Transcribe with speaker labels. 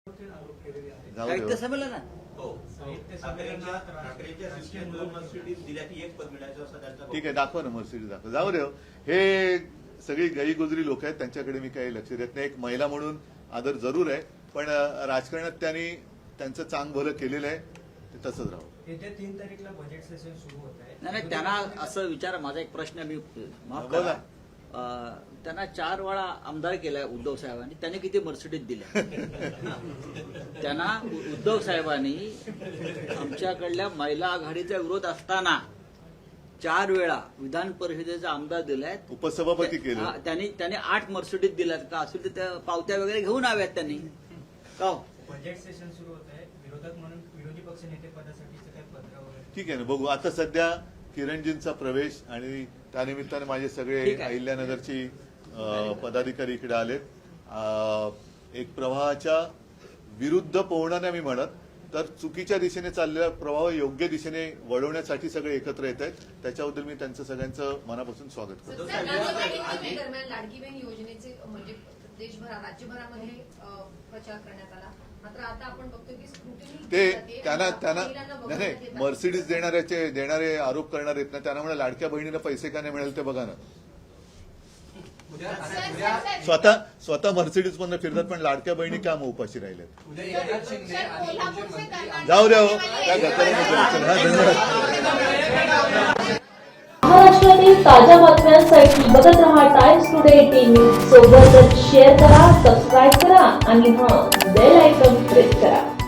Speaker 1: साहित्य संमेलन
Speaker 2: ठीक आहे, दाखवा ना मर्सिडीज दाखवा. जाऊ दे, हे सगळी गईगुजरी लोक आहेत, त्यांच्याकडे मी काही लक्ष देत नाही. एक महिला म्हणून आदर जरूर आहे, पण राजकारणात त्यांनी त्यांचं चांग भलं केलेलं आहे, ते तसंच राहू.
Speaker 3: येत्या 3 तारीखला बजेट सेशन सुरू होत आहे.
Speaker 1: नाही, त्यांना असं विचार, माझा एक प्रश्न, मी माफ करा, त्यांना 4 वेळा आमदार केलाय उद्धव साहेबांनी, त्यांनी किती मर्सिडीज दिल्या? त्यांना उद्धव साहेबांनी आमच्याकडल्या महिला आघाडीचा विरोध असताना 4 वेळा विधान परिषदेचा आमदार दिलाय,
Speaker 2: उपसभापती केलं.
Speaker 1: त्यांनी 8 मर्सिडीज दिल्यात का? असेल तर त्या पावत्या वगैरे घेऊन आव्यात त्यांनी का?
Speaker 3: बजेट सेशन सुरू होत आहे, विरोधक म्हणून विरोधी पक्ष नेते पदासाठीचं काही पत्र वगैरे?
Speaker 2: ठीक आहे ना, बघू. आता सध्या किरणजींचा प्रवेश आणि त्यानिमित्ताने माझे सगळे अहिल्यानगरची पदाधिकारी इकडे आलेत. एक प्रवाहाच्या विरुद्ध पोहणं नाही मी म्हणत, तर चुकीच्या दिशेने चाललेला प्रवाह योग्य दिशेने वळवण्यासाठी सगळे एकत्र येत आहेत. त्याच्याबद्दल मी त्यांचं सगळ्यांचं मनापासून स्वागत करतो.
Speaker 4: दरम्यान लाडकी बहीण योजनेचे म्हणजे देशभरात राज्यभरामध्ये प्रचार करण्यात आला, मात्र आता आपण बघतो की स्क्रुटिनी
Speaker 2: ते त्यांना नाही, मर्सिडीज देणारे आरोप करणार आहेत ना, त्यांना म्हणा लाडक्या बहिणीला पैसे का नाही मिळेल ते बघा ना. स्वतः मर्सिडीज मधून फिरतात, पण लाडक्या बहिणी का मग उपाशी राहिल्यात? जाऊ द्या, त्या
Speaker 5: महाराष्ट्रातील ताज्या बातम्यांसाठी बघत रहा टाइम्स टुडे टीव्ही. सोबतच शेअर करा, सबस्क्राईब करा आणि बेल आयकॉन प्रेस करा.